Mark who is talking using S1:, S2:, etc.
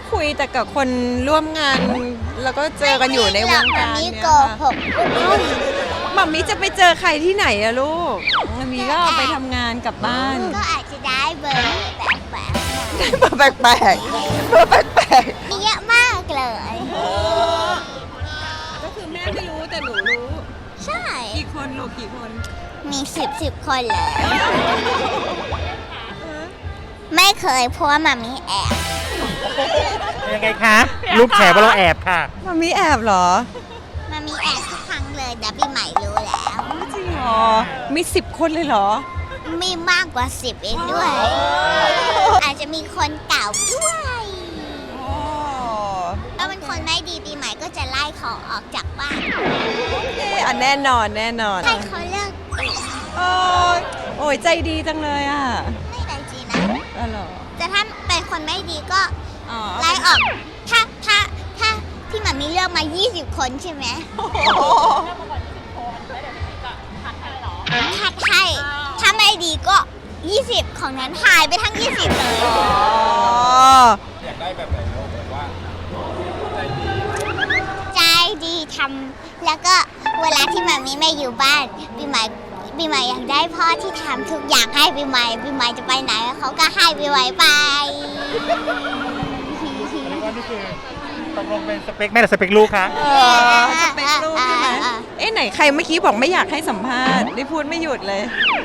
S1: คุยแต่กับคนร่วมงาน แล้วก็เจอกันอยู่ในวงการ
S2: นี่
S1: เนี่ย
S2: โก
S1: ค่ะ
S2: หก
S1: มัมมี่จะไปเจอใครที่ไหนอะลูกมัมมี่ก็ไปทำงานกลับบ้าน
S2: ก็อาจจะได้เบอร์แบบ
S1: ได้เบอร์แปลกๆเบอร์แปลก
S2: มีเยอะมากเลย
S1: ๆก็คือแม่ไม่รู้แต่หนูรู้
S2: ใช่
S1: กี่คนลูกกี่คน
S2: มีสิบคนเลย ไม่เคยเพราะว่ามามีแอบ
S3: ยังไงคะลูกแฉว่าเราแอบค่ะ
S1: มัมมี่แอบเหรอ
S2: มามีแอบทุกครั้งเลยแต่ปีใหม่รู้แล้ว
S1: จริงเหรอมี10 คนเลยเหรอ
S2: มีมากกว่า10เองด้วย อาจจะมีคนเก่าด้วยถ้าเป็นคนไม่ดีปีใหม่ก็จะไล่เขาออกจากบ้าน
S1: อ่ะแน่นอนแน่นอน
S2: ให้เขาเลิกเอง
S1: โอ้ยโอ้ยใจดีจังเลยอ่ะ
S2: ไม่ได้จริงนะ
S1: อ๋อเหรอ
S2: แต่ถ้าเป็นคนไม่ดีก็
S1: อ๋อ
S2: ไล่ออก ถ้าพี่หมามีเลือกมา 20 คนใช่ไหมคัดให้ถ้าไม่ดีก็ 20 ของนั้นหายไปทั้ง 20 เลย
S1: อ๋อ
S2: ใจดีทำแล้วก็เวลาที่หมามีไม่อยู่บ้านปีใหม่อยากได้พ่อที่ทำทุกอย่างให้ปีใหม่จะไปไหนเขาก็ให้ปีใหม่ไป
S3: ว่านี่คือตกลงเป็นสเปคแม่หรือสเปคลูกคะ
S1: จะเป็นลูกใช่ไหมเอ๊ะไหนใครเมื่อกี้บอกไม่อยากให้สัมภาษณ์ได้พูดไม่หยุดเลย